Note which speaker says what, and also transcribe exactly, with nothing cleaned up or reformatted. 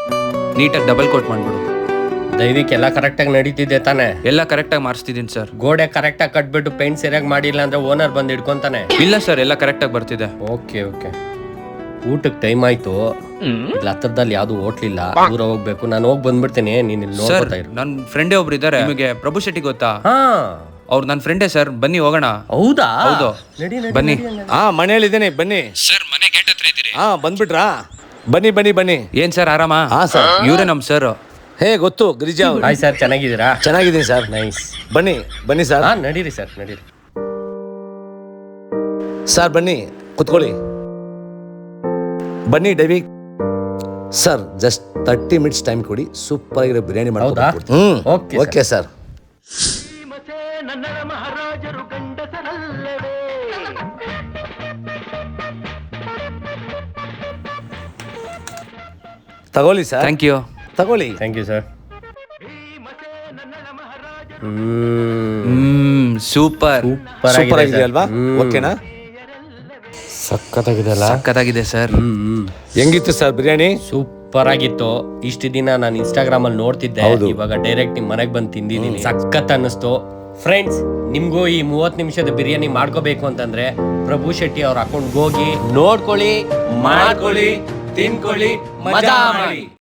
Speaker 1: ನೀಟಾಗಿ double quote ಮಾಡ್ಬಿಡು.
Speaker 2: ದಯವಿಟ್ಟು ಎಲ್ಲ ಕರೆಕ್ಟಾಗಿ ನಡೀತಿದೆ ತಾನೆ?
Speaker 1: ಎಲ್ಲ ಕರೆಕ್ಟಾಗಿ ಮಾಡಿಸ್ತಿದ್ದೀನಿ ಸರ್.
Speaker 2: ಗೋಡೆ ಕರೆಕ್ಟಾಗಿ ಕಟ್ಬಿಟ್ಟು ಪೇಂಟ್ ಸರಿಯಾಗಿ ಮಾಡಿಲ್ಲ ಅಂದ್ರೆ ಓನರ್ ಬಂದು ಹಿಡ್ಕೊಂತಾನೆ.
Speaker 1: ಇಲ್ಲ ಸರ್, ಎಲ್ಲ ಕರೆಕ್ಟಾಗಿ ಬರ್ತಿದೆ.
Speaker 2: Okay okay. ಊಟಕ್ಕೆ ಟೈಮ್ ಆಯ್ತು. ಇಲ್ಲಿ ಹತ್ರದಲ್ಲಿ ಯಾವ್ದು ಹೋಟ್ಲಿಲ್ಲ, ದೂರ ಹೋಗ್ಬೇಕು. ನಾನು ಹೋಗಿ ಬಂದ್ಬಿಡ್ತೀನಿ, ನೀನ್ ಇಲ್ಲಿ
Speaker 1: ಸರ್,
Speaker 2: ನೋಡ್ತಾ ಇರು.
Speaker 1: ನನ್ನ ಫ್ರೆಂಡೇ ಒಬ್ರು ಇದ್ದಾರೆ. ನಿಮಗೆ ಪ್ರಭು ಶೆಟ್ಟಿ ಗೊತ್ತಾ?
Speaker 2: ಹಾ,
Speaker 1: ಅವ್ರು ನನ್ನ ಫ್ರೆಂಡೇ ಸರ್. ಬನ್ನಿ ಹೋಗೋಣ.
Speaker 2: ಹೌದಾ?
Speaker 1: ಹೌದು,
Speaker 2: ನಡಿ ನಡಿ
Speaker 1: ಬನ್ನಿ.
Speaker 3: ಹಾ, ಮನೇಲಿದ್ದೀನಿ, ಬನ್ನಿ.
Speaker 1: ಸರ್, ಮನೆ ಗೇಟ್ ಹತ್ರ ಇದ್ದೀರಿ.
Speaker 3: ಹಾ, ಬಂದ್ಬಿಟ್ರಾ? ಬನ್ನಿ ಬನ್ನಿ ಬನ್ನಿ.
Speaker 1: ಏನ್ ಸರ್, ಆರಾಮ?
Speaker 3: ಹಾ ಸರ್.
Speaker 1: ಇವರೇ ನಮ್ ಸರ್.
Speaker 3: ಹೇ, ಗೊತ್ತು, ಗಿರಿಜಾ ಅವ್ರು.
Speaker 2: ಹಾಯ್ ಸರ್, ಚೆನ್ನಾಗಿದ್ದೀರಾ?
Speaker 3: ಚೆನ್ನಾಗಿದ್ದೀನಿ ಸರ್.
Speaker 2: ನೈಸ್.
Speaker 3: ಬನ್ನಿ ಬನ್ನಿ ಸರ್.
Speaker 2: ಹಾ, ನಡೀರಿ ಸರ್, ನಡೀರಿ.
Speaker 3: ಸರ್ ಬನ್ನಿ, ಕುತ್ಕೊಳ್ಳಿ. ಬನ್ನಿ ಡೈವಿ sir, just thirty minutes time ಕೊಡಿ, ಸೂಪರ್ ಆಗಿರೋ ಬಿರಿಯಾನಿ
Speaker 2: ಹೌದಾ?
Speaker 3: ಮಾಡ್ಕೊಡ್ತೀನಿ. Hmm,
Speaker 2: okay
Speaker 3: okay sir. ತಗೊಳ್ಳಿ ಸರ್.
Speaker 1: Thank you.
Speaker 3: ತಗೊಳ್ಳಿ.
Speaker 2: Thank you sir.
Speaker 1: Hmm, super
Speaker 3: super ಆಗಿದೆ ಅಲ್ವಾ? ಓಕೆನಾ?
Speaker 2: ಸಖತ್ತಾಗಿದೆ ಅಲ್ಲ?
Speaker 1: ಸಕ್ಕತ್ತಾಗಿದೆ ಸರ್.
Speaker 3: ಹೆಂಗಿತ್ತು ಸರ್ ಬಿರಿಯಾನಿ?
Speaker 2: ಸೂಪರ್ ಆಗಿತ್ತು. ಇಷ್ಟು ದಿನ ನಾನು ಇನ್ಸ್ಟಾಗ್ರಾಮ್ ಅಲ್ಲಿ ನೋಡ್ತಿದ್ದೆ, ಇವಾಗ ಡೈರೆಕ್ಟ್ ನಿಮ್ ಮನೆಗೆ ಬಂದು ತಿಂದಿದ್ದೀನಿ. ಸಖತ್ ಅನ್ನಿಸ್ತು. ಫ್ರೆಂಡ್ಸ್, ನಿಮ್ಗೂ ಈ ಮೂವತ್ತು ನಿಮಿಷದ ಬಿರಿಯಾನಿ ಮಾಡ್ಕೋಬೇಕು ಅಂತಂದ್ರೆ ಪ್ರಭು ಶೆಟ್ಟಿ ಅವ್ರ ಅಕೌಂಟ್ಗೆ ಹೋಗಿ ನೋಡ್ಕೊಳ್ಳಿ, ಮಾಡ್ಕೊಳ್ಳಿ, ತಿನ್ಕೊಳ್ಳಿ, ಮಜಾ ಮಾಡಿ.